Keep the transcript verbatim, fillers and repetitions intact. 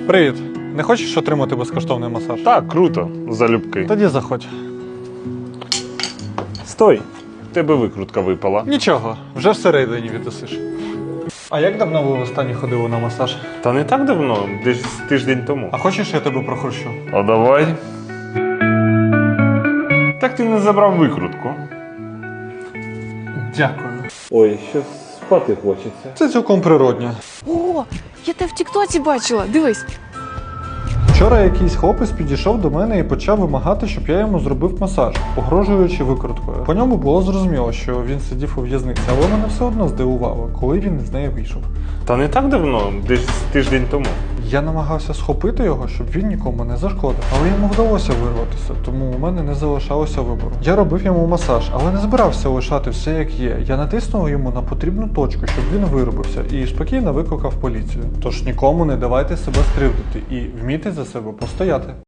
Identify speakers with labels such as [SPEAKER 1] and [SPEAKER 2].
[SPEAKER 1] Привіт. Не хочеш отримати безкоштовний масаж?
[SPEAKER 2] Так, круто, залюбки.
[SPEAKER 1] Тоді заходь.
[SPEAKER 2] Стой! В тебе викрутка випала.
[SPEAKER 1] Нічого, вже всередині віддасиш. А як давно ви востаннє ходили на масаж?
[SPEAKER 2] Та не так давно, десь тиждень тому.
[SPEAKER 1] А хочеш, я тебе прохрущу?
[SPEAKER 2] А давай. Так ти не забрав викрутку.
[SPEAKER 1] Дякую.
[SPEAKER 2] Ой, що спати хочеться.
[SPEAKER 1] Це цілком природньо.
[SPEAKER 3] О, я тебе в тіктоці бачила, дивись.
[SPEAKER 1] Вчора якийсь хлопець підійшов до мене і почав вимагати, щоб я йому зробив масаж, погрожуючи викруткою. По ньому було зрозуміло, що він сидів у в'язниці, але мене все одно здивувало, коли він із неї вийшов.
[SPEAKER 2] Та не так давно, десь тиждень тому.
[SPEAKER 1] Я намагався схопити його, щоб він нікому не зашкодив, але йому вдалося вирватися, тому у мене не залишалося вибору. Я робив йому масаж, але не збирався лишати все як є. Я натиснув йому на потрібну точку, щоб він виробився, і спокійно викликав поліцію. Тож нікому не давайте себе скривдити і вмійте за себе постояти.